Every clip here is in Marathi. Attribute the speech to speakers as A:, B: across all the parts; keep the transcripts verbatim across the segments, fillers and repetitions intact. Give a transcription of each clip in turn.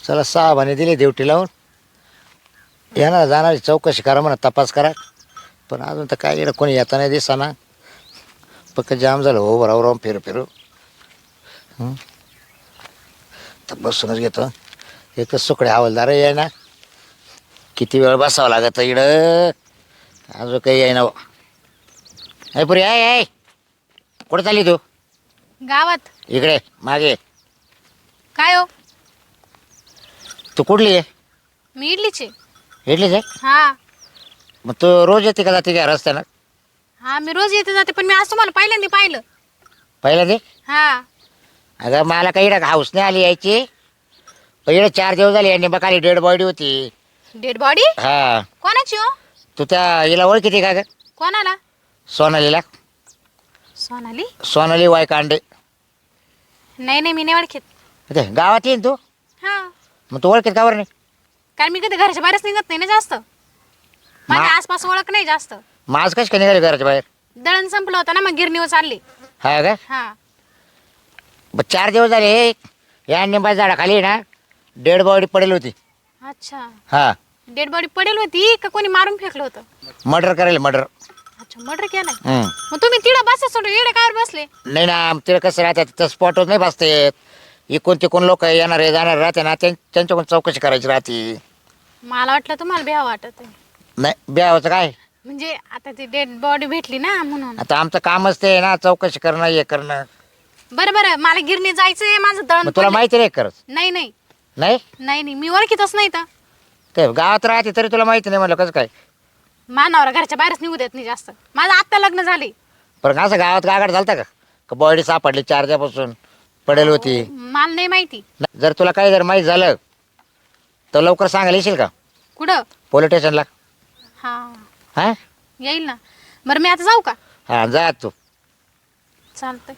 A: चला सहा म्हणे दिली ड्युटी लावून येणार जाणार चौकशी करा म्हणा तपास करा पण अजून तर काय कोणी येता नाही दिसाना पक्क जाम झालं हो बरोबर राहून फिरू फिरू तर बसूनच घेतो एकच सुकडे हवालदार आहे ना किती वेळ बसावं लागत इकडं अजून काही आहे ना अरे पुरी आहे आहे कुठं चालली तू
B: गावात
A: इकडे मागे
B: काय हो
A: तू कुठली आहे
B: मी इडलीचे
A: इडलीच आहे
B: हा
A: मग तू रोज येते का जाते का रस्त्यानं
B: हा मी रोज येते जाते पण मी आज तुम्हाला पहिल्यांदा पाहिलं
A: पहिलं ते
B: हा
A: अगं मला काही इकडं हाऊस नाही आली यायची पण इकडे चार दिवस झाले यांनी बघ खाली डेड बॉडी होती
B: डेड बॉडी
A: हा
B: कोणाची हो
A: तू त्या हिला ओळखीती का ग
B: कोणाला
A: सोनालीला
B: सोनाली
A: सोनाली वायकांडे
B: नाही नाही मी नाही ओळखीत
A: ते गावात येईन तू
B: हा
A: मग तू ओळखीत का बरं नाही
B: कारण मी कधी घराच्या बाहेरच निघत नाही ना जास्त माझ्या
A: मा-
B: आसपास ओळख नाही जास्त
A: मग आज कशी काय निघाली घराच्या बाहेर
B: दळण संपलं होतं ना मग गिरणीवर चालली
A: हा का
B: हा
A: मग चार दिवस झाले या निंबा झाडाखाली ना डेड बॉडी पडेल होती
B: अच्छा
A: हा
B: डेड बॉडी पडेल होती का कोणी मारून फेकलं होतं
A: मर्डर करायला मर्डर
B: अच्छा मर्डर केलाय
A: हम्म.
B: मग तुम्ही तिकडं बसा सोडून इकडे कावर बसले
A: नाही ना तिला कसं राहतात तिथं स्पॉटवर नाही बसते इकून तिकून लोक येणार आहे जाणार राहते ना त्यां- त्यांच्याकडून चौकशी करायची राहते
B: मला वाटलं तुम्हाला भ्या वाटत आहे
A: नाही ब्यावाचं काय
B: म्हणजे आता ती डेड बॉडी भेटली ना म्हणून
A: आता आमचं कामच ते आहे ना चौकशी करणं हे करणं
B: बरं बरं मला गिरणी जायचंय माझं दळण
A: मग तुला
B: पडलंय.
A: माहिती नाही करत
B: नाही नाही
A: नाही
B: नाही नाही मी ओळखीतच नाही तर
A: ते गावात राहते तरी तुला माहिती नाही म्हणलं कसं काय
B: मानावर घरच्या बाहेरच निघू देत नाही जास्त माझं आत्ता लग्न झाले
A: पण असं गावात गागाड झालता का का बॉडी सापडली चार दिवसापासून पडेल होती
B: मला नाही माहिती
A: नाही, जर तुला काही जर माहीत झालं तर लवकर सांगायला येशील का
B: कुठं
A: पोलीस स्टेशनला
B: हा
A: हां
B: येईल ना बरं मी आता जाऊ का
A: हां जा तू
B: चालतंय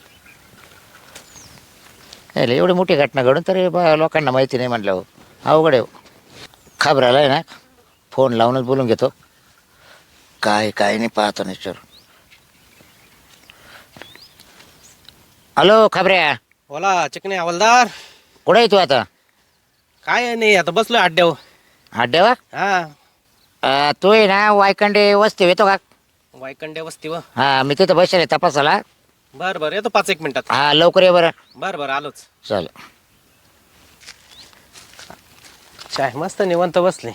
A: नाही एवढी मोठी घटना घडून तरी बा लोकांना माहिती नाही म्हटलं हो अवघड आहे हो. खबराला आहे ना फोन लावूनच बोलून घेतो काय काय नाही पाहतो निश्चर हॅलो खबऱ्या
C: बोला चिकने हवालदार
A: कुठे आहे तू आता
C: काय नाही आता बसलोय अड्ड्यावर
A: अड्ड्यावर
C: हा
A: अं, तू आहे ना वायकंडे वस्ती येतो का
C: वायकंड्या वस्ती व
A: हां मी तिथं बसेल आहे तपासाला
C: बर बर येतो पाच एक मिनिटात
A: हां लवकर ये बरं
C: बर बर आलोच
A: चालेल
C: चाय मस्त निवंत बसले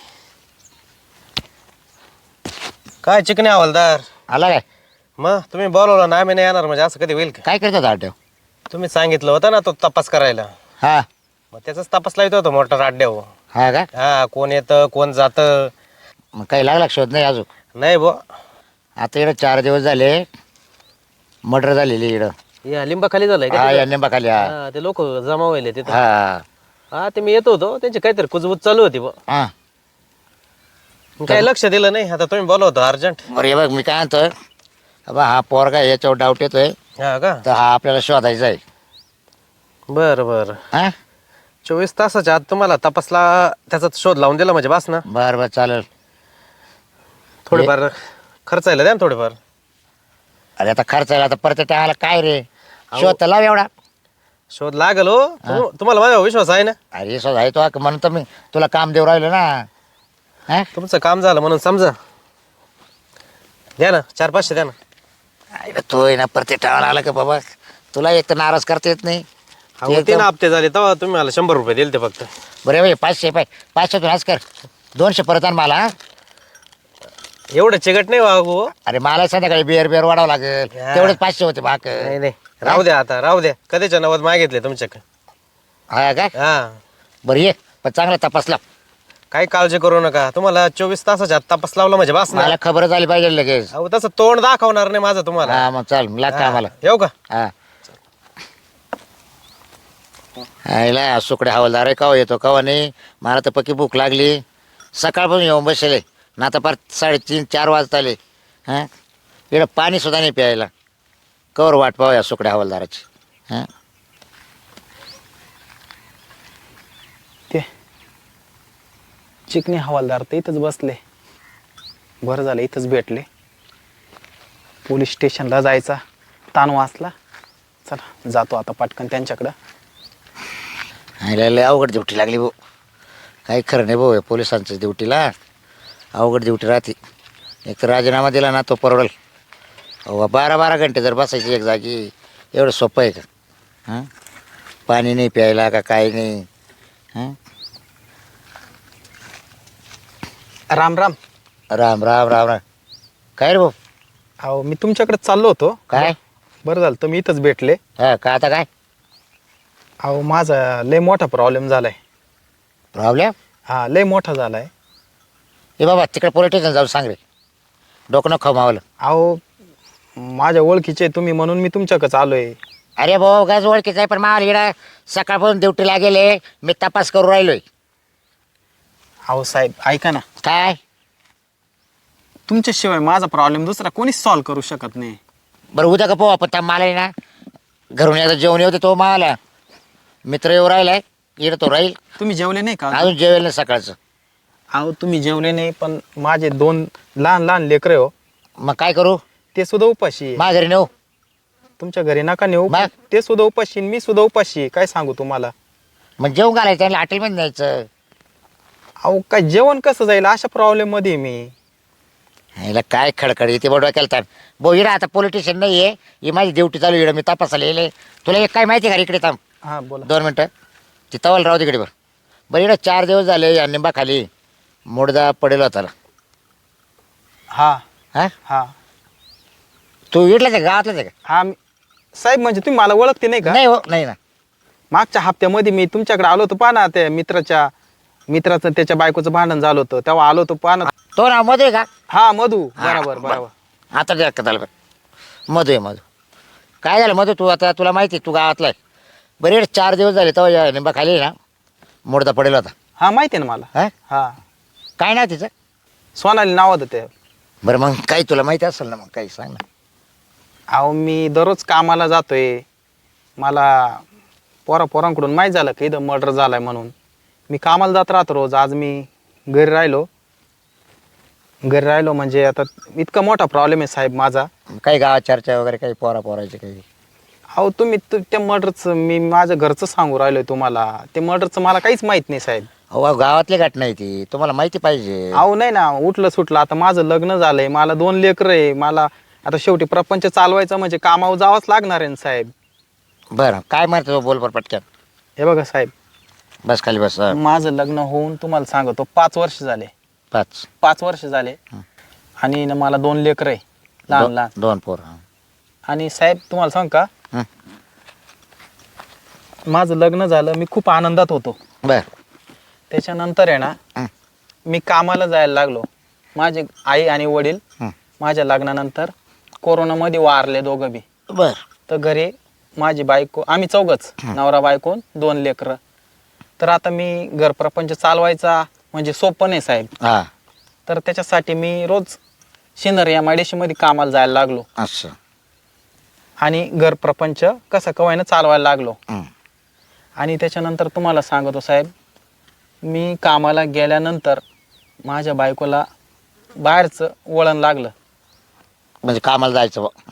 C: काय चिकने हवालदार
A: आला काय
C: मग तुम्ही बोलवलं ना आम्ही नाही येणार म्हणजे असं कधी होईल का
A: काय करतो अड्ड्यावर
C: तुम्ही सांगितलं होतं ना तो तपास करायला
A: हां
C: मग त्याचाच तपास लावतो होतो मोटर अड्ड्यावर
A: हा का
C: हा कोण येतं कोण जातं
A: मग काही लागला का शोध नाही अजून
C: नाही बो
A: आता इकडं चार दिवस झाले मर्डर झालेली इकडं
C: या लिंबाखाली झालंय
A: हा
C: का
A: या निंबाखाली हा
C: हा, ते लोक जमा व्हायले तिथं
A: हा
C: हा ते मी येतो होतो त्यांची काहीतरी कुजबूज चालू होती बो
A: हा
C: काय लक्ष दिलं नाही आता तुम्ही बोलवतो अर्जंट
A: बरं हे बघ मी काय म्हणतोय बा हा पोरगा याच्यावर डाऊट येतोय
C: हा का
A: तर हा आपल्याला शोधायचा आहे
C: बर बर
A: हा
C: चोवीस तासाच्या आत तुम्हाला तपासला त्याचा शोध लावून दिला म्हणजे बस ना
A: बरं बरं चालेल
C: थोडेफार खर्चायला द्या ना थोडेफार
A: अरे आता खर्च आहे आता परत टाळायला काय रे शोध तर लाव एवढा
C: शोध लागल हो तुम- तुम्हाला माझ्यावर विश्वास आहे ना
A: अरे शोध आहे तो म्हणून तर मी तुला काम देऊ राहिलो ना हा
C: तुमचं काम झालं म्हणून समजा द्या ना चार पाचशे द्या ना
A: अरे तो आहे ना परत टाळायला आला का बाबा तुला एक तर नाराज करता येत नाही
C: अहो,
A: ते
C: तीन
A: एकदम-
C: हप्ते झाले तेव्हा तुम्ही मला शंभर रुपये दिले ते फक्त
A: बरं भाई पाचशे पाय पाचशे तू आज कर दोनशे परत आण मला हा?
C: एवढं चिकट नाही वागू हो.
A: अरे मला संध्याकाळी बिअर बिअर वाढावं लागेल
C: हा.
A: तेवढेच पाचशे होते बाक
C: नाही नाही राहू द्या आता राहू द्या कधीच्या नवद मागितले तुमच्याकडे
A: हा काय
C: हा
A: बरं ये पण चांगला तपासला
C: काही काळजी करू नका तुम्हाला चोवीस तासाच्या आत तपास लावला म्हणजे बस ना
A: मला खबर झाली पाहिजे लगेच
C: अहो तसं तोंड दाखवणार नाही माझं तुम्हाला
A: हा मग चाल लागतं
C: हा.
A: आम्हाला
C: येऊ का
A: हा आईला सुकडे हवालदार आहे कवा येतो कवा नाही मला तर पक्की भूक लागली सकाळपासून येऊन बसले ना आता पार साडेतीन चार वाजता आले हां इकडं पाणीसुद्धा नाही प्यायला कवर वाट पाहूया सुकडे हवालदाराची हां
D: ते चिकनी हवालदार तर इथंच बसले बरं झालं इथंच भेटले पोलीस स्टेशनला जायचा ताण वाचला चला जातो आता पटकन त्यांच्याकडं
A: आईला लय अवघड ड्युटी लागली भाऊ काही खरं नाही भाऊ या पोलिसांचं ड्युटीला अवघड ड्युटी राहते. एक तर राजीनामा दिला ना तो परवडेल. अहो बारा बारा घंटे जर बसायची एक जागी एवढं सोपं आहे का? हां पाणी नाही प्यायला का काही नाही. हां
D: राम राम.
A: राम राम राम राम. काय रे भाऊ?
D: अहो मी तुमच्याकडे चाललो होतो.
A: काय?
D: बरं झालं तुम्ही इथंच भेटले.
A: हां का आता काय
D: अहो माझा लय मोठा प्रॉब्लेम झालाय.
A: प्रॉब्लेम?
D: हा लय मोठा झालाय.
A: ए बाबा तिकडे पोलीस स्टेशन जाऊ सांग रे. डोकं नको खाऊ मावलं.
D: अहो माझ्या ओळखीचे तुम्ही म्हणून मी तुमच्याकडे आलोय.
A: अरे भाऊ गॅस ओळखीचं आहे पण मावलं इकडं सकाळपासून ड्युटीला गेले मी तपास करू राहिलोय.
D: अहो साहेब ऐका ना,
A: काय?
D: तुमच्याशिवाय माझा प्रॉब्लेम दुसरा कोणीच सॉल्व्ह करू शकत नाही.
A: बरं उद्या का पाहू आपण त्या मला आहे ना घरून एकदा जेवण येऊ दे तो मावाला मित्र येऊ राहिलाय इकडं तो राहील.
D: तुम्ही जेवले नाही का?
A: अजून जेवेल नाही सकाळचं.
D: अहो तुम्ही जेवले नाही पण माझे दोन लहान लहान लेकरे हो
A: मग काय करू?
D: ते सुद्धा उपाशी आहे.
A: माझ्या घरी नेऊ?
D: तुमच्या घरी नका नेऊ.
A: मग?
D: ते सुद्धा उपाशी आणि मी सुद्धा उपाशी आहे. काय सांगू तुम्हाला.
A: मग जेवण घालायचं त्यांना हॉटेलमध्ये न्यायचं.
D: अहो काय जेवण कसं जाईल अशा प्रॉब्लेम मध्ये आहे मी.
A: ह्याला काय खडखड येते बडवा केला भाऊ इकडं आता पोलिटिशियन नाही आहे ही माझी ड्युटी चालू इकडं मी तपासायला येले. तुला एक काय माहिती आहे का इकडे थांब
D: हा बोला.
A: दोन मिनटं ती तवाल राहू तिकडे बरं. बरं इकडं चार दिवस झाले या निंबाखाली मुडदा पडेल होता.
D: हा
A: हां
D: हा
A: तू इडलाच आहे गावातलाच आहे का?
D: हा मी- साहेब म्हणजे तुम्ही मला ओळखते नाही का?
A: नाही हो नाही ना.
D: मागच्या हप्त्यामध्ये मी तुमच्याकडे आलो होतो. पहा ना त्या मित्राच्या मित्राचं त्याच्या बायकोचं भांडण झालं होतं तेव्हा आलो होतो. पहा ना.
A: तो नाव मधू आहे का?
D: हा मधू.
A: हा,
D: बरोबर बरोबर.
A: आता त्या कथाला बरं मधू आहे मधू. काय झालं मधू तू आता तुला माहिती आहे तू गावातला आहे. बरं इकडे चार दिवस झाले तेव्हा या निंबा खाली ना मुडदा पडेल होता.
D: हा माहिती आहे ना मला.
A: हां
D: हा
A: काय नाव तिचं?
D: सोनाली नाव होतं ते.
A: बरं मग काही तुला माहिती असेल ना मग काही सांग ना.
D: अहो मी दररोज कामाला जातोय. मला पोरा पोरांकडून माहीत झालं की इथं मर्डर झालाय म्हणून मी कामाला जात राहतो रोज. आज मी घरी राहिलो घरी राहिलो म्हणजे आता इतका मोठा प्रॉब्लेम आहे साहेब माझा.
A: काही गावात चर्चा वगैरे काही पोरा पोरायचे काही?
D: अहो तुम्ही तु- त्या मर्डरचं मी माझ्या घरचं सांगू राहिलोय तुम्हाला. ते मर्डरचं मला काहीच माहीत नाही साहेब.
A: अहो गावातली घटना आहे ती तुम्हाला माहिती पाहिजे.
D: अहो नाही ना उठलं सुटलं. आता माझं लग्न झालंय. मला दोन लेकरं आहे. मला आता शेवटी प्रपंच चालवायचं म्हणजे कामावर जावंच लागणार आहे ना साहेब.
A: बरं काय म्हणतो बोल बरं पटकन.
D: हे बघा साहेब
A: बस खाली बस. हा,
D: माझं लग्न होऊन तुम्हाला सांगतो पाच वर्ष झाले.
A: पाच
D: पाच वर्ष झाले आणि ना मला दोन लेकरं आहे लहान
A: दो-
D: लहान.
A: दोन पोर. हा.
D: आणि साहेब तुम्हाला सांग का
A: हं.
D: माझं लग्न झालं मी खूप आनंदात होतो.
A: बर
D: त्याच्यानंतर आहे ना
A: हं.
D: मी कामाला जायला लागलो. माझे आई आणि वडील
A: हं.
D: माझ्या लग्नानंतर कोरोनामध्ये वारले दोघं बी.
A: बर
D: तर घरी माझी बायको आम्ही चौघच नवरा बायको दोन लेकरं. तर आता मी घर प्रपंच चालवायचा म्हणजे सोपं नाही साहेब.
A: हा
D: तर त्याच्यासाठी मी रोज शिंदर या मध्ये कामाला जायला लागलो
A: असं.
D: आणि घर प्रपंच कसं कवायनं चालवायला लागलो.
A: हं.
D: आणि त्याच्यानंतर तुम्हाला सांगतो साहेब मी कामाला गेल्यानंतर माझ्या बायकोला बाहेरचं वळण लागलं.
A: म्हणजे कामाला जायचं बुवा.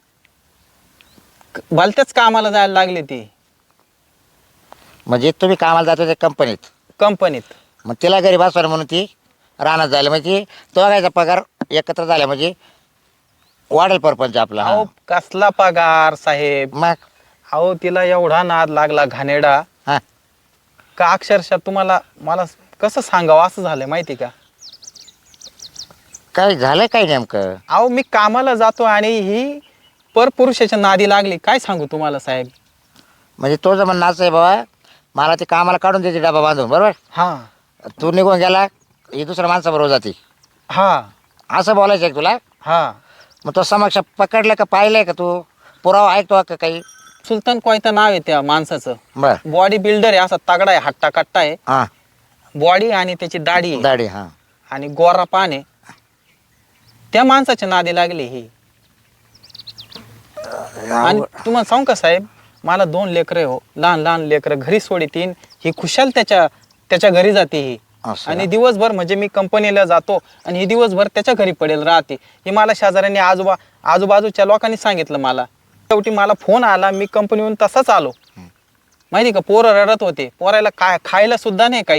D: क- भलत्याच कामाला जायला लागली ती
A: म्हणजे तुम्ही कामाला जातो त्या कंपनीत
D: कंपनीत.
A: मग तिला घरी बसवा म्हणून ती रानात झाली म्हणजे तो बघायचा पगार एकत्र झाला म्हणजे वाढेल परपंच आपला. हा.
D: अहो कसला पगार साहेब.
A: मग
D: अहो तिला एवढा नाद लागला घाणेरडा
A: हा
D: का अक्षरशः तुम्हाला मला कसं सांगावं असं झालंय माहिती का.
A: काय झालं काय नेमकं?
D: अहो मी कामाला जातो आणि ही परपुरुषाच्या नादी लागली. काय सांगू तुम्हाला साहेब.
A: म्हणजे तो जर म्हणणं असं आहे बाबा मला ते कामाला काढून द्यायचे डबा बांधून बरोबर.
D: हा
A: तू निघून गेला ही दुसऱ्या माणसाबरोबर जाते
D: हा
A: असं बोलायचं आहे का तुला?
D: हा
A: मग तो समक्ष पकडलं का पाहिलंय का तू? पुरावा ऐकतो का काही?
D: सुलतान कोयता नाव आहे त्या माणसाचं.
A: बर
D: बॉडी बिल्डर आहे. असा तगडा आहे हट्टा कट्टा आहे
A: हा
D: बॉडी आणि त्याची दाढी आहे
A: दाढी हा
D: आणि गोरा पान आहे. त्या माणसाच्या नादी लागली ही. आणि तुम्हाला सांगू का साहेब मला दोन लेकरं हो लहान लहान लेकरं घरी सोडीतीन. ही खुशाल त्याच्या त्याच्या घरी जाते ही.
A: असं.
D: आणि दिवसभर म्हणजे मी कंपनीला जातो आणि ही दिवसभर त्याच्या घरी पडेल राहते. ही मला शेजाऱ्यांनी आजोबा आजूबाजूच्या लोकांनी सांगितलं मला. शेवटी मला फोन आला मी कंपनीहून तसाच आलो. माहिती का पोरं रडत होते. पोरायला काय खायला सुद्धा नाही काहीच.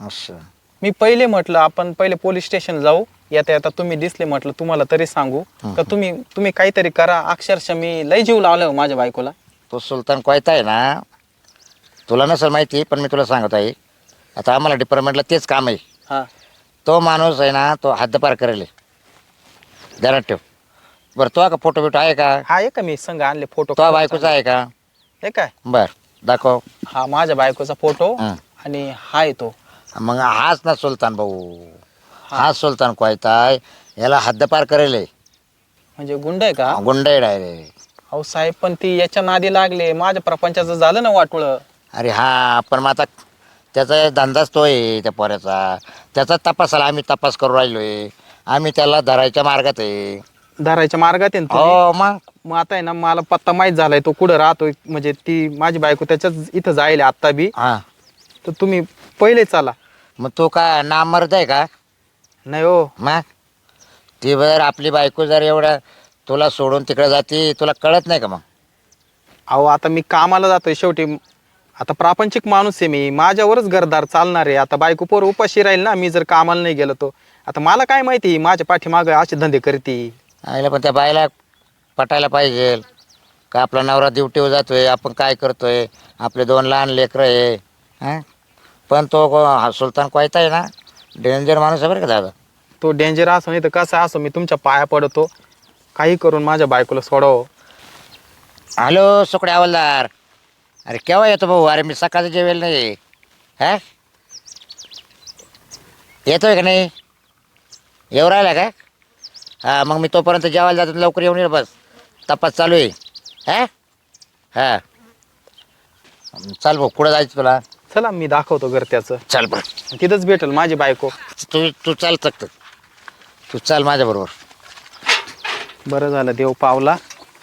A: असं
D: मी पहिले म्हटलं आपण पहिले पोलीस स्टेशन जाऊ, येता येता तुम्ही दिसले म्हटलं तुम्हाला तरी सांगू का तुम्ही तुम्ही काहीतरी करा. अक्षरशः मी लय जीव लावला हो माझ्या बायकोला.
A: तो सुलतान कोयता आहे ना, तुला नसेल माहिती पण मी तुला सांगत आहे. आता आम्हाला डिपार्टमेंटला तेच काम आहे.
D: हा
A: तो माणूस आहे ना, तो हद्दपार करेल, ध्यानात ठेव. बरं तो का फोटो बिटो आहे का?
D: हा आहे का, मी संघ आणले फोटो.
A: तो बायकोचा आहे का?
D: हे काय,
A: बर दाखव.
D: हा माझ्या बायकोचा फोटो
A: हं.
D: आणि हाय तो.
A: मग हाच ना सुलतान भाऊ, हाच सुलतान कोयता आहे. याला हद्दपार करेल,
D: म्हणजे गुंड आहे का?
A: गुंड आहे डायरेक्ट.
D: अहो साहेब पण ती याच्या नादी लागले, माझ्या प्रपंचाचं झालं ना वाटोळ.
A: अरे हा पण मग आता त्याचा धंदाच तो आहे त्या पोऱ्याचा. त्याचा तपासाला आम्ही तपास करू राहिलोय. आम्ही त्याला धरायच्या मार्गात आहे.
D: धरायच्या मार्गात आहे ना तुम्ही?
A: हो मग
D: मग आता आहे ना मला पत्ता माहीत झालाय तो कुठं राहतोय. म्हणजे ती माझी बायको त्याच्याच इथं जाईल आत्ता बी.
A: हा
D: तर तुम्ही पहिले चला.
A: मग तो का नामर्द आहे का?
D: नाही हो,
A: मग ती जर आपली बायको जर एवढं तुला सोडून तिकडे जाते, तुला कळत नाही का? मग
D: अहो आता मी कामाला जातोय शेवटी. आता प्रापंचिक माणूस आहे मी, माझ्यावरच घरदार चालणार आहे. आता बायको पोर उपाशी राहील ना मी जर कामाला नाही गेलो तो. आता मला काय माहिती माझ्या पाठीमागं असे धंदे करते.
A: आईला पण त्या बायला पटायला पाहिजे का आपला नवरा ड्युटीवर जातोय, आपण काय करतोय, आपले दोन लहान लेकरं आहे. हां पण तो को- हा सुलतान कोयता आहे ना, डेंजर माणूस आहे बरं का दादा.
D: तो डेंजर असो नाही तर कसं असो, मी तुमच्या पाया पडतो, काही करून माझ्या बायकोला सोडावं.
A: हॅलो सुकडे हवालदार, अरे केव्हा येतो भाऊ? अरे मी सकाळचं जेवेल नाही. हा येतोय का नाही? येऊ राहिला का? हां मग मी तोपर्यंत जेवायला जातो, लवकर येऊन ये. बस तपास चालू आहे. हा हां चाल भाऊ, कुठं जायचं तुला?
D: चला मी दाखवतो घर त्याचं,
A: चल बरं,
D: तिथंच भेटेल माझी बायको.
A: तू तू चाल चकत, तू चाल माझ्याबरोबर.
D: बरं झालं देव पावला.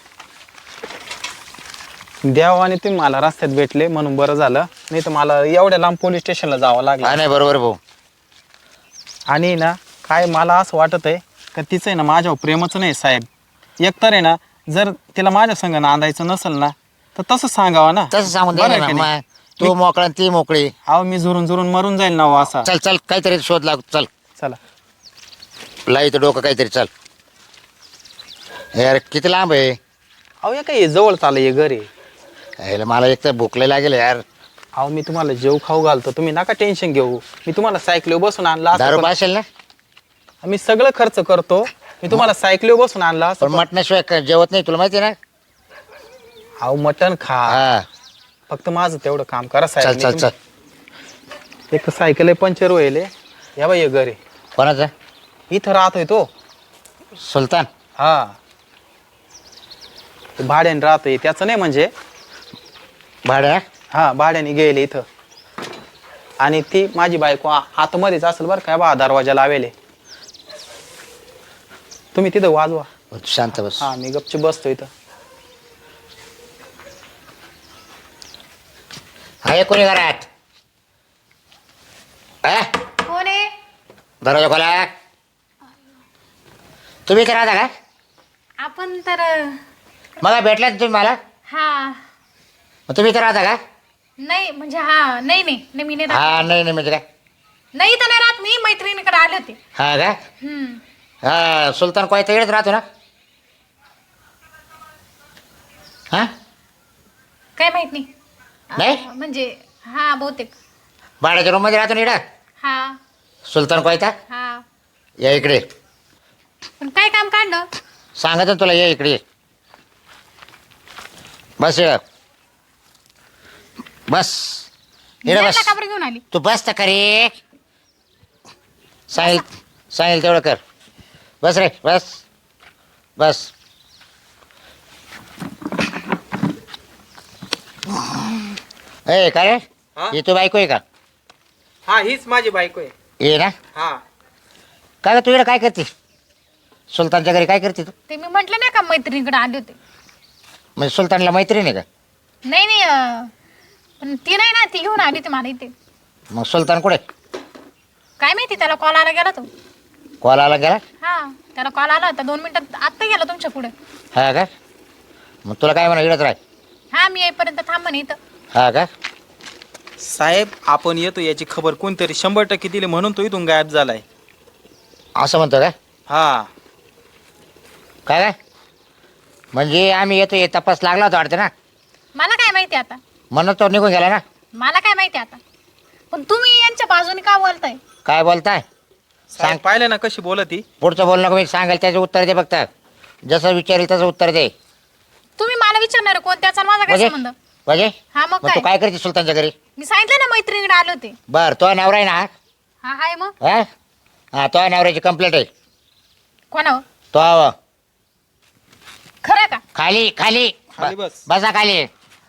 D: देवाने तुम्ही मला रस्त्यात भेटले म्हणून बरं झालं, नाही तर मला एवढ्या लांब पोलीस स्टेशनला जावं लागलं.
A: हा नाही बरोबर भाऊ.
D: आणि ना काय मला असं वाटत आहे का तिचं आहे ना माझ्यावर प्रेमच नाही साहेब. एकतर आहे ना जर तिला माझ्या संग नांदायचं नसेल ना तर तसं सांगावं ना.
A: तसं सांगून
D: बरं
A: दे
D: आहे
A: ना
D: की नाही?
A: मग. तू मोकळा आणि ती मोकळी.
D: अहो मी झुरून झुरून मरून जाईल ना हो असा.
A: चल चल काहीतरी शोध लाग. चल
D: चला
A: लाईत डोकं काहीतरी. चल यार किती लांब आहे?
D: अहो या काय जवळ चाललं हे घर आहे.
A: यायला मला एक तर भूकले लागेल यार.
D: अहो मी तुम्हाला जेव खाऊ घालतो, तुम्ही नका टेन्शन घेऊ. मी तुम्हाला सायकलीवर बसून आणला असं
A: दारू
D: पण-
A: पाशील ना?
D: मी सगळं खर्च करतो. मी तुम्हाला सायकलीवर बसून आणला असं
A: पण
D: पण-
A: मटणाशिवाय काय जेवत नाही, तुला माहिती आहे ना?
D: अहो मटण खा,
A: हा
D: फक्त माझं तेवढं काम करा
A: चल
D: साहेब.
A: चल चल.
D: एक सायकल आहे पंचर होईल. या बाई हे घर आहे.
A: कोणाचं?
D: इथं राहतोय तो.
A: सुलतान?
D: हा ते भाड्याने राहतोय त्याचं नाही म्हणजे.
A: भाड्या?
D: हा भाड्याने गेले इथं. आणि ती माझी बायको आ- आतमध्येच असेल बरं काय बा, दरवाजा लावेले. तुम्ही तिथं वाजवा.
A: शांत बस.
D: हा मी गपची बसतो इथं.
A: आहे कोणी घरात? हा?
B: कोण आहे?
A: दरवाजा खोला. तुम्ही इथे राहता का?
B: आपण तर
A: मला भेटला तुम्ही मला?
B: हा
A: मग तुम्ही इथे राहता का?
B: नाही म्हणजे हा नाही नाही नाही, मी नाही राहत.
A: हा नाही नाही म्हणजे काय?
B: नाही तर नाही राहत, मी मैत्रिणीकडे आले होते.
A: हा का?
B: हम्म.
A: हा सुलतान कोयता इकडेच राहतो ना? हा
B: काय माहित नाही.
A: नाही?
B: अं, म्हणजे हा बहुतेक.
A: भाड्याच्या रूममध्ये राहतो ना इकडं
B: हा
A: सुलतान कोयता?
B: हा
A: या इकडे.
B: पण काय काम काढलं?
A: सांगत ना तुला, ये इकडे ये. बस इकडं बस. इकडे
B: याला
A: बस.
B: का बरं घेऊन आली?
A: तू बस तर खरे. सांगेल सांगेल तेवढं कर. बस रे बस बस. ए का रे?
D: हा?
A: ये तू बायको आहे का?
D: हा हीच माझी बायको आहे.
A: ये ना.
D: हा
A: काय तू इकडे काय करते? सुलतानच्या घरी काय करते तू?
B: ते मी म्हंटल नाही का मैत्रिणीकडे आले होते.
A: म्हणजे सुलतानला मैत्रीण आहे का?
B: नाही नाही अं, पण ती नाही ना, ती घेऊन आली होती मला इथे.
A: मग सुलतान कुठे?
B: काय माहिती, त्याला कॉल आला गेला तो.
A: कॉल आला गेला?
B: हा त्याला कॉल आला होता दोन मिनिटात, आत्ता गेला तुमच्या पुढे.
A: हा का? मग तुला काय म्हणा इकडंच राह.
B: हा मी येईपर्यंत थांब म्हणे इथं.
A: हा का?
D: साहेब आपण येतो याची खबर कोणतरी शंभर टक्के दिली म्हणून तो इथून गायब झालाय.
A: असं म्हणतो काय
D: हा
A: काय काय म्हणजे आम्ही येतो हे तपास लागला होता वाटतं ना,
B: मला काय माहिती आता,
A: म्हणून तो निघून गेला ना.
B: मला काय माहिती आता. पण तुम्ही यांच्या बाजूने का बोलताय?
A: काय बोलताय?
D: साहेब पाहिलं ना कशी बोलत ती.
A: पुढचं बोलणं का मी सांगेल त्याचं उत्तर दे फक्त. जसं विचारेल तसं उत्तर दे.
B: तुम्ही मला विचारणार कोण, त्याचा माझा काय
A: म्हणजे
B: संबंध?
A: म्हणजे
B: हा मग
A: मग तू
B: काय?
A: काय करते सुलतानच्या घरी?
B: मी सांगितलं ना मैत्रिणीकडे आले होते.
A: बर तो नवरा आहे ना हा?
B: हा हाय मग
A: हा हा तो नवऱ्याची कंप्लेंट आहे.
B: कोणावर?
A: तो आव.
B: खरं का?
A: खाली खाली
D: खाली बस.
A: बसा खाली.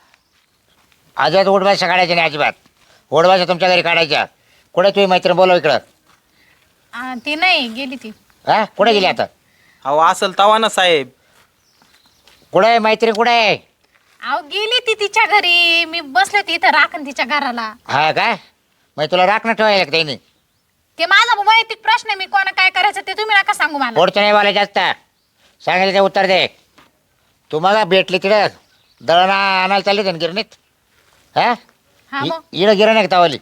A: अजिबात उडभाषा काढायची नाही अजिबात. उडभाषा तुमच्या घरी काढायच्या. कुठे तुम्ही मैत्रीण बोलव इकडं.
B: आ, ती नाही गेली ती.
A: हा कुठे गेली आता?
D: अहो असल तवा ना साहेब.
A: कुठे आहे मैत्रीण कुठे आहे?
B: अहो गेली ती तिच्या घरी, मी बसले होते इथं राखण तिच्या घराला.
A: हा काय मग तुला राखणं ठेवायला का त्यांनी?
B: ते माझा वैयक्तिक प्रश्न आहे, मी कोणा काय करायचं ते तुम्ही नका सांगू मला.
A: पुढचं नाही बोलायचं जास्त. सांगितलं ते उत्तर दे. तू मग भेटली तिकडे दळण आणायला चालली त्यांनी गिरणीत. हा
B: हा मग
A: इकडं गिरण आहे का तावली?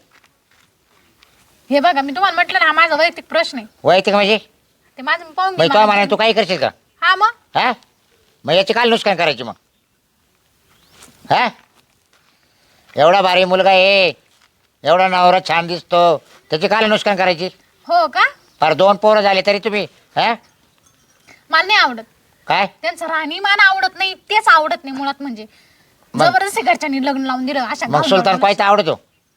B: हे बघा मी तुम्हाला म्हटलं ना, हा माझा वैयक्तिक प्रश्न आहे.
A: वैयक्तिक म्हणजे
B: ते माझं मी पाहून
A: मग
B: घेईन
A: तो म्हणा
B: मला.
A: तू काही करशील का?
B: हा मग
A: हा मग याची काल नुकसान करायची मग. हा एवढा भारी मुलगा आहे, एवढा नवरा छान दिसतो, त्याची काल नुकसान करायची?
B: हो का?
A: फार दोन पोरं झाले तरी तुम्ही हा
B: मला नाही आवडत
A: काय?
B: त्यांचं राहणीमान आवडत नाही, तेच आवडत नाही मुळात. म्हणजे
A: मग-
B: जबरदस्ती घरच्यांनी लग्न लावून दिलं अशा
A: मग
B: गावठी
A: सुलतान
B: लोकांना.
A: कोयता आवडतो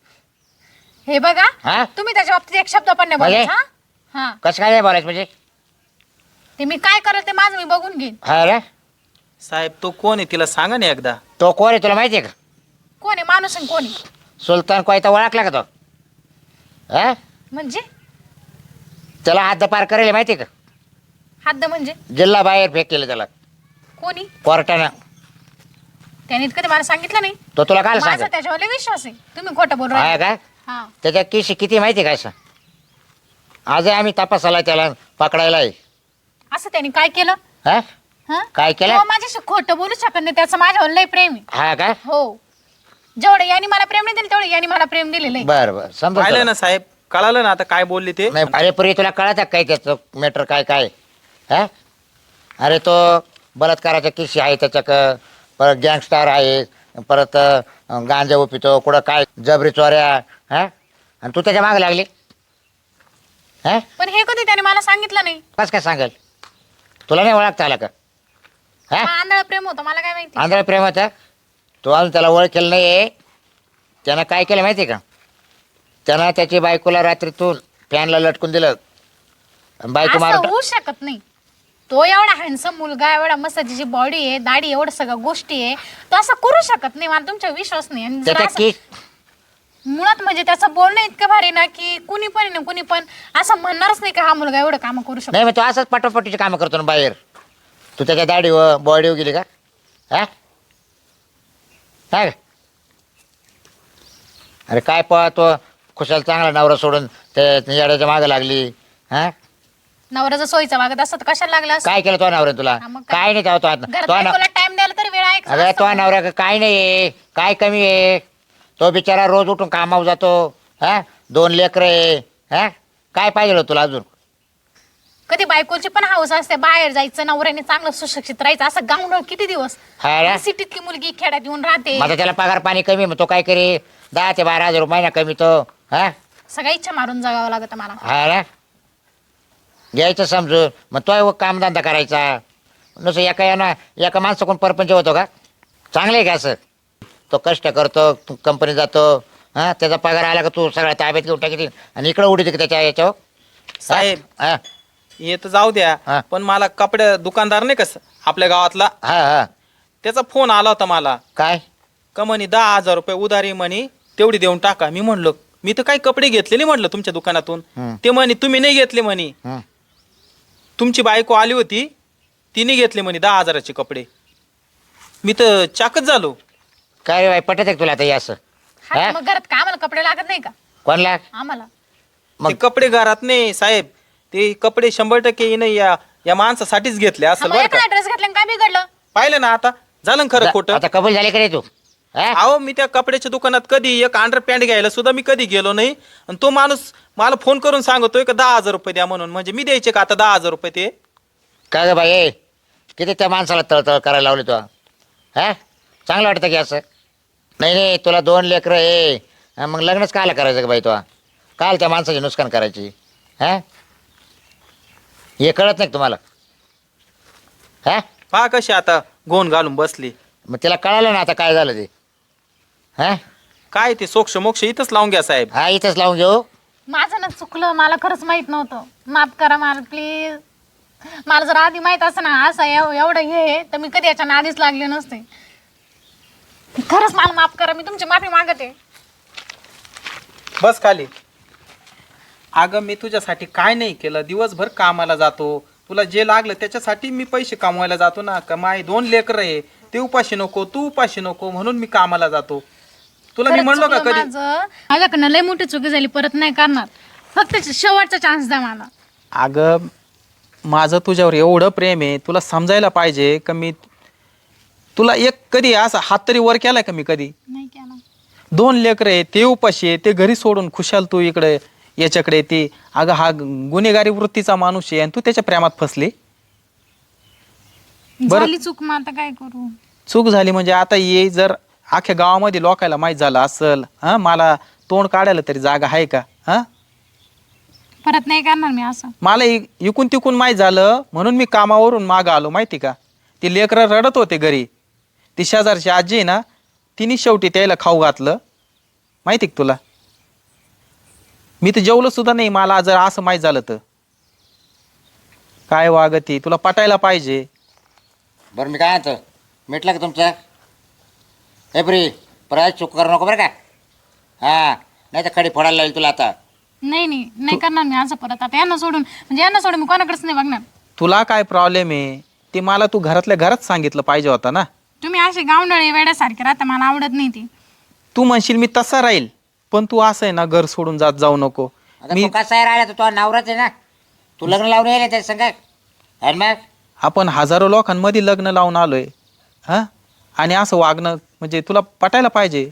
B: हे बघा
A: हा?
B: तुम्ही त्याच्या बाबतीत एक शब्द पण नाही
A: म्हणजे?
B: बोलायचा. हा हा
A: कसं काय नाही बोलायचं म्हणजे?
B: ते मी काय करेल ते माझं मी बघून घेईन.
A: हा रे
D: साहेब तो कोण आहे तिला सांगा ना एकदा.
A: तो कोण आहे तुला माहिती आहे का?
B: कोण आहे माणूस आणि कोण आहे?
A: सुलतान कोयता ओळखला का तो? हा
B: म्हणजे
A: त्याला हात पार करेल माहिती आहे का?
B: हद्द म्हणजे
A: जिल्हा बाहेर फेक केलं त्याला
B: कोणी?
A: कोर्टानं.
B: त्याने कधी मला सांगितलं नाही.
A: तो तुला काय
B: माझा
A: सांग
B: त्याच्यावर लय विश्वास आहे. तुम्ही खोटं बोल
A: हा
B: राहिले.
A: काय
B: हा
A: त्याच्या किशी किती माहिती आहे काय? आज आम्ही तपासाला त्याला पकडायला आहे.
B: असं त्याने काय केलं?
A: हा
B: हा
A: काय केलं?
B: तो माझ्याशी खोटं बोलू शकत नाही, त्याचं माझ्यावर लय प्रेम आहे.
A: हा काय
B: हो जेवढं यांनी मला प्रेम नाही दिलं तेवढं यांनी मला प्रेम दिलेलं आहे.
A: बर बर समजा
D: पाहिलं ना साहेब, कळालं ना आता काय बोलले ते.
A: नाही अरे पुरी तुला कळत काय त्याचं मॅटर काय काय हा? अरे तो बलात्काराच्या किशी आहे त्याच्या क- परत गँगस्टार आहे, परत अं, गांजा उपितो कुठं काय जबरी चोऱ्या. हा आणि तू त्याच्या मागे लागली. हा
B: पण हे कधी त्याने मला सांगितलं नाही.
A: कस काय सांगेल? तुला नाही ओळखता आला का? हा
B: हा, आंधळं प्रेम होतं, मला काय माहिती.
A: आंध्र प्रेमाचा तो अजून त्याला ओळखेल नाही आहे. त्यानं काय केलं माहिती आहे का? त्यानं त्याची बायकोला रात्रीतून फॅनला लटकून दिलं. आणि बायको
B: असं
A: मारून
B: होऊ शकत नाही. तो एवढा हँडसम मुलगा, एवढा मस्त त्याची बॉडी आहे, दाढी, एवढं सगळं गोष्टी आहे, तो असं करू शकत नाही. मला तुमचा विश्वास नाही. आणि जर
A: त्याच्या
B: असं-
A: की
B: मुळात म्हणजे त्याचं बोलणं इतकं भारी ना की कुणी पण ना कुणी पण असं म्हणणारच नाही का हा मुलगा एवढं काम करू शकतो.
A: नाही मग तो असंच पटोपटीची कामं करतो ना बाहेर. तू त्याच्या दाढीवर बॉडीवर गेली का? हा काय? अरे काय पळतो खुशाल चांगला नवरा सोडून ते येड्याच्या मागे लागली. हा
B: नवरा जर सोयीचा वागत असत तर कशाला लागला असतं?
A: काय केलं तो नवऱ्याने तुला?
B: हा, मग काय?
A: काय नाही तेव्हा तो
B: घरात
A: तो
B: बायकोला टाइम द्यायला तरी वेळ आहे का?
A: अगं तो
B: असं.
A: नवरा काय नाही आहे, काय कमी आहे? तो बिचारा रोज उठून कामावर जातो. हा दोन लेकरं आहे. हा काय पाहिजे तुला अजून?
B: कधी बायकोची पण हाऊस असते बाहेर जायचं, नवऱ्याने चांगलं सुशिक्षित राहायचं. असं गावणं किती दिवस?
A: हा रे?
B: सिटीतली मुलगी खेड्यात येऊन राहते.
A: माझा त्याला पगार पाणी कमी मग तो काय करे? दहा ते बारा हजार रुपये महिना कमी तो. हा
B: सगळ्या इच्छा मारून जगावं लागतं मला.
A: हा ना घ्यायचं समजून. मग तो कामधंदा करायचा नुसतं एका यानं एका माणसाकडून परपंच होतो का? चांगलं आहे का असं? तो कष्ट करतो, कंपनी जातो. हा त्याचा पगार आला का तू सगळ्या ताब्यात घेऊन टाकी आणि इकडं उडी की त्याच्या याच्यावर.
D: साहेब
A: हा
D: हे तर जाऊ
A: हा.
D: द्या, पण मला कपडे दुकानदार नाही कसं आपल्या गावातला,
A: हा हा
D: त्याचा फोन आला होता मला.
A: काय?
D: का म्हणे दहा हजार रुपये उधारी म्हणे तेवढी देऊन टाका. मी म्हणलो मी तर काही कपडे घेतले नाही म्हटलं तुमच्या दुकानातून.
A: हम्म.
D: ते म्हणे तुम्ही नाही घेतले म्हणे,
A: हं.
D: तुमची बायको आली होती तिने घेतले म्हणे दहा हजाराचे कपडे. मी तर चाकच झालो.
A: काय रे बाई पटत आहे का तुला आता हे असं?
B: हा,
A: हा?
B: मग घरात काय आम्हाला कपडे लागत नाही का?
A: कोणला?
B: आम्हाला
A: मग-
D: ते कपडे घरात नाही साहेब, ते कपडे शंभर टक्के हिनं या या माणसासाठीच घेतले
B: हा,
D: असेल
B: मग
D: बरं का.
B: एखादा ड्रेस घातला आणि काय बिघडलं?
D: पाहिलं ना आता झालं ना खरं खोटं.
A: आता कबूल झाले का रे तू? हा?
D: अहो मी त्या कपड्याच्या दुकानात कधी एक अंडर पॅन्ट घ्यायला सुद्धा मी कधी गेलो नाही आणि तो माणूस मला फोन करून सांगतोय का दहा हजार रुपये द्या म्हणून. म्हणजे मी द्यायचे का आता दहा हजार रुपये ते?
A: काय ग बाई ए, किती त्या माणसाला तळतळ करायला लावली तू हा? चांगलं वाटतं की असं? नाही नाही, तुला दोन लेकरं आहे, हा, मग लग्नच कायला करायचं का बाई तुला? काल त्या माणसाची नुकसान करायची हा? हे कळत नाही का तुम्हाला? हा,
D: पहा कशी आता गोन घालून बसली.
A: मग तिला कळालं ना आता काय झालं ते. हा
D: काय ते सोक्ष मोक्ष इथंच लावून घ्या साहेब.
A: हा इथंच लावून घेऊ.
B: माझं ना चुकलं, मला खरंच माहित नव्हतं, माफ करा मला प्लीज. मला जर आधी माहित असं ना असं एव- एवढं हे आहे, तर मी कधी याच्या आधीच लागले नसते. खरंच मला माफ करा, मी तुमची माफी मागते.
D: बस खाली. अगं मी तुझ्यासाठी काय नाही केलं, दिवसभर कामाला जातो, तुला जे लागलं त्याच्यासाठी मी पैसे कमवायला जातो ना. का माय दोन लेकर आहे, ते उपाशी नको तू उपाशी नको म्हणून मी कामाला जातो. तुला मी
B: खरंच
D: म्हणलो का
B: चुकलं
D: कधी?
B: माझं, माझ्याकडनं लय मोठी चुकी झाली, परत नाही करणार. फक्त शेवटचा चान्स द्या मला.
D: अगं माझं तुझ्यावर एवढं प्रेम आहे, तुला समजायला पाहिजे का मी तुला एक कधी असा हात तरी वर केलाय का मी कधी?
B: नाही केला.
D: दोन लेकर आहे, ते उपाशी आहे, ते घरी सोडून खुशाल तू इकडे याच्याकडे ती. अगं हा गुन्हेगारी वृत्तीचा माणूस आहे आणि तू त्याच्या प्रेमात फसली. बरं.
B: झाली चूक, मग आता काय करू?
D: चूक झाली म्हणजे आता ये जर अख्ख्या गावामध्ये लोकायला माहीत झालं असल, हा मला तोंड काढायला तरी जागा आहे का? हा
B: परत नाही करणार मी असं.
D: मला इ- इकून तिकून माहीत झालं म्हणून मी कामावरून मागं आलो माहिती का. ती लेकरं रडत होते घरी, ती शेजारची आजी आहे ना, तिने शेवटी त्याला खाऊ घातलं माहिती का तुला. मी तर जेवलो सुद्धा नाही, मला जर असं माहीत झालं तर. काय वागती, तुला पटायला पाहिजे.
A: बरं मी काय म्हणतो, मिटलं का तुमचं? हे प्री परत चूक करू नको बरं का. हा नाही तर खडी फोडायला लागेल तुला आता.
B: नाही नाही नाही करणार मी असं परत. आता यांना सोडून, म्हणजे यांना सोडून मी कोणाकडेच नाही बघणार.
D: तुला काय प्रॉब्लेम आहे ते मला तू घरातल्या घरात सांगितलं पाहिजे होता ना.
B: तुम्ही असे गावंडळे वेड्यासारखे राहता, मला आवडत नाही ती.
D: तू म्हणशील मी तसा राहील, पण तू असं आहे ना घर सोडून जात जाऊ नको.
A: आता
D: मी
A: तू कसा आहे राहिला, तो नवराच आहे ना, तू लग्न लावून येईल त्या संग. आणि मग
D: आपण हजारो लोकांमध्ये लग्न लावून आलोय हा, आणि असं वागणं म्हणजे तुला पटायला पाहिजे.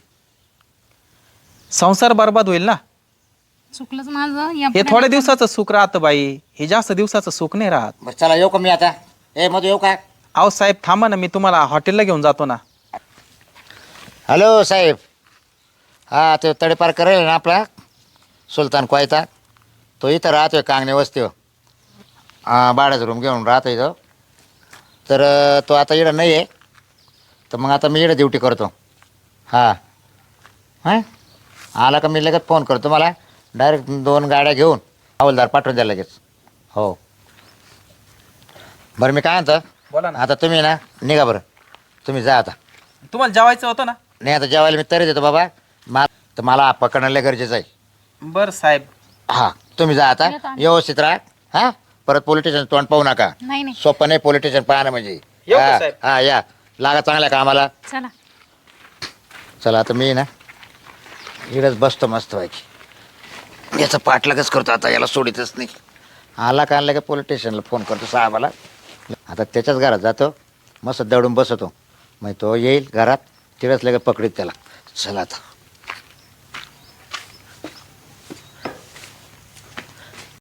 D: संसार बर्बाद होईल ना.
B: चुकलंच माझं.
D: हे
B: यापुढे
D: थोड्या दिवसाचं सुख राहतं बाई, हे जास्त दिवसाचं सुख नाही राहत.
A: बरं चला येऊ का मी आता? ए मधू येऊ का?
D: अहो साहेब थांबा ना, मी तुम्हाला हॉटेलला घेऊन जातो ना.
A: हॅलो साहेब. हा तो तडेपार करेल ना आपला सुलतान क्वायता, तो इथं राहतोय कांगणे वस्तीवर. हां भाड्याचा रूम घेऊन राहतो इथं. तर अं, तो आता इकडं नाही आहे, तर मग आता मी इकडं ड्युटी करतो. हां हां आला का मी लगेच फोन करतो. मला डायरेक्ट दोन गाड्या घेऊन हवालदार पाठवून द्या लगेच. हो बरं मी काय म्हणतो,
D: बोला ना.
A: आता तुम्ही ना निघा बरं, तुम्ही जा आता.
D: तुम्हाला जेवायचं होतं ना?
A: नाही आता जेवायला मी तरी देतो बाबा, मा तर मला पकडणं लय गरजेचं आहे.
D: बरं साहेब.
A: हां तुम्ही जा आता,
B: येतो आम्ही.
A: व्यवस्थित राहा. हां परत पोलीस स्टेशन तोंड पाहू नका.
B: नाही नाही.
A: सोपं नाही पोलीस स्टेशन पाहणं म्हणजे.
D: येऊ का
A: हां
D: साहेब?
A: हां या लागा चांगल्या कामाला.
B: चला.
A: चला आता मी ना इकडंच बसतो मस्त व्हायची. याचं पाठलागच करतो आता, याला सोडितच नाही. आला का आणला का पोलीस स्टेशनला फोन करतो साहेबाला. आता त्याच्याच घरात जातो, मस्त दडून बसतो. मग तो येईल घरात, तिकडंच लगेच पकडीत त्याला. चला आता.